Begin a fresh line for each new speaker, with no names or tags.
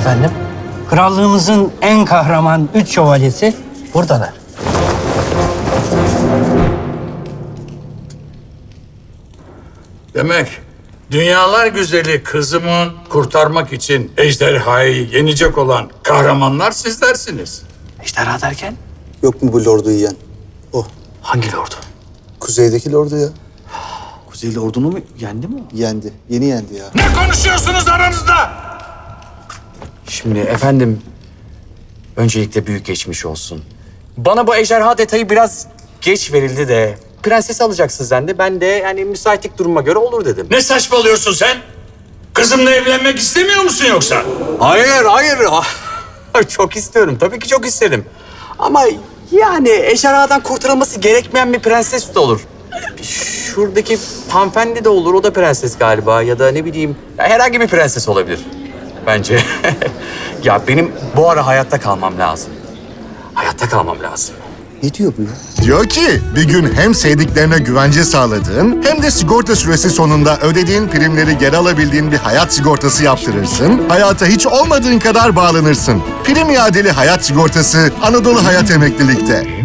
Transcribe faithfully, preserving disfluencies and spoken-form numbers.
efendim. Krallığımızın en kahraman üç şövalyesi buradalar.
Demek dünyalar güzeli kızımı kurtarmak için ejderhayı yenecek olan kahramanlar sizlersiniz.
Ejderha derken?
Yok mu bu lordu yiyen? O.
Hangi lordu?
Kuzeydeki lordu ya.
Kuzeyli ordunu mu yendi mi?
Yendi. Yeni yendi ya.
Ne konuşuyorsunuz aranızda?
Şimdi efendim, öncelikle büyük geçmiş olsun. Bana bu ejderha detayı biraz geç verildi de prensesi alacaksın sen de. Ben de yani müsaitlik duruma göre olur dedim.
Ne saçmalıyorsun sen? Kızımla evlenmek istemiyor musun yoksa?
Hayır, hayır. Çok istiyorum. Tabii ki çok isterim. Ama yani ejderhadan kurtarılması gerekmeyen bir prenses de olur. Şuradaki hanımefendi de olur. O da prenses galiba. Ya da ne bileyim, ya herhangi bir prenses olabilir bence. Ya benim bu ara hayatta kalmam lazım. Hayatta kalmam lazım.
Ne diyor bu ya?
Diyor ki bir gün hem sevdiklerine güvence sağladığın hem de sigorta süresi sonunda ödediğin primleri geri alabildiğin bir hayat sigortası yaptırırsın. Hayata hiç olmadığın kadar bağlanırsın. Prim iadeli hayat sigortası Anadolu Hayat Emeklilik'te.